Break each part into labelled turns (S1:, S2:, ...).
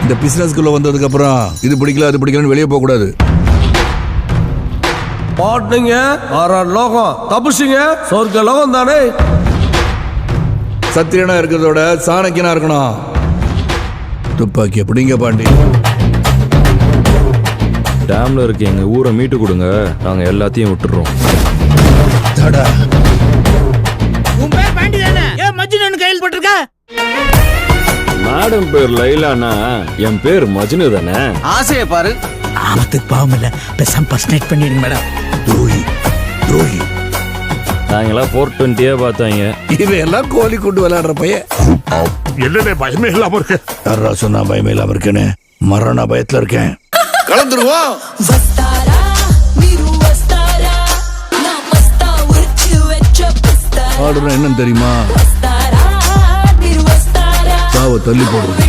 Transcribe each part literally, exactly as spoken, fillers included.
S1: இந்த பிசினஸ்க்குள்ள வந்ததுக்கு அப்புறம் இது பிடிக்கல அது பிடிக்கலன்னு வெளியே போக கூடாது.
S2: பாட்டுங்க ஆறாறு லோகம் தப்புச்சிங்க சொர்க்க லோகம் தானே.
S1: சத்திரியனா இருக்கிறதோட சாணக்கியனா இருக்கணும். துப்பாக்கி எப்படிங்க பாண்டி?
S3: டேம்ல இருக்க எங்க ஊரை மீட்டு கொடுங்க, நாங்க எல்லாத்தையும் விட்டுறோம்.
S4: உன் பேர் பாண்டி தானே? ஏன் மஜ்னு கையில் போட்டிருக்க?
S3: மேடம் பேர் லைலானா என் பேர் மஜ்னு தானே.
S4: ஆசையை பாரு. ஆமத்துக்கு பாவம் இல்ல, பேசாம பர்சனேட் பண்ணிடுங்க மேடம்.
S1: துரோகி துரோகி.
S3: நாங்கெல்லாம் போர் டுவெண்ட்டியே பார்த்தாங்க.
S1: இவையெல்லாம் கோழி கொண்டு விளையாடுற பையன்.
S5: என்னடே பயமே இல்லாம இருக்கு?
S1: யாரா சொன்னா பயமே இல்லாம இருக்கேன்னு? மரண பயத்துல இருக்கேன். கலந்துருவோம். ஆடுறோம் என்னன்னு தெரியுமா? சாவ தள்ளி போடுறது.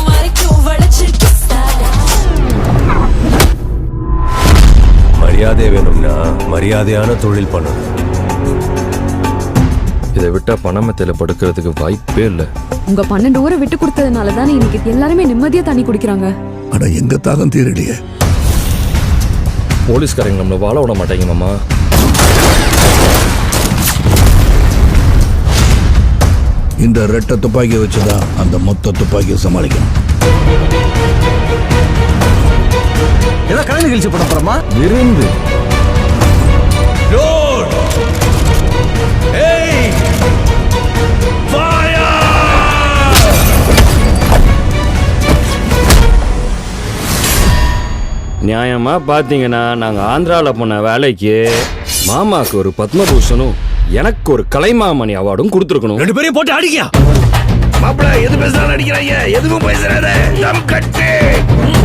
S6: மரியாதை வேணும்னா மரியாதையான தொழில் பண்ணணும்.
S3: இதை விட்டா பணமத்தையில படுக்கிறதுக்கு வாய்ப்பே இல்லை.
S7: உங்க பன்னெண்டு ஊரை விட்டு கொடுத்ததுனால தானே இன்னைக்கு எல்லாருமே நிம்மதியா தண்ணி குடிக்கிறாங்க.
S1: அட எங்க தாகம் தீரலையே.
S3: போலீஸ்காரங்க நம்மள வாழ விட மாட்டாங்க மாமா.
S1: இந்த ரெட்டை துப்பாக்கியை வச்சுதான் அந்த மொத்த துப்பாக்கியை சமாளிக்கணும்.
S2: ஏதோ கலை நிகழ்ச்சி பண்ண போறோமா?
S3: விருந்து நியாயமா பாத்தீங்கன்னா நாங்க ஆந்திரால போன வேலைக்கு மாமாக்கு ஒரு பத்மபூஷனும் எனக்கு ஒரு கலைமாமணி அவார்டும் கொடுத்துருக்கணும்.
S2: ரெண்டு பேரையும் போட்டு அடிக்கியா?
S1: மாப்பிள்ள எது பேசுறாரு அடிக்கிறாங்க. எதுவும் பேசுறாரு. தம் கட்டு.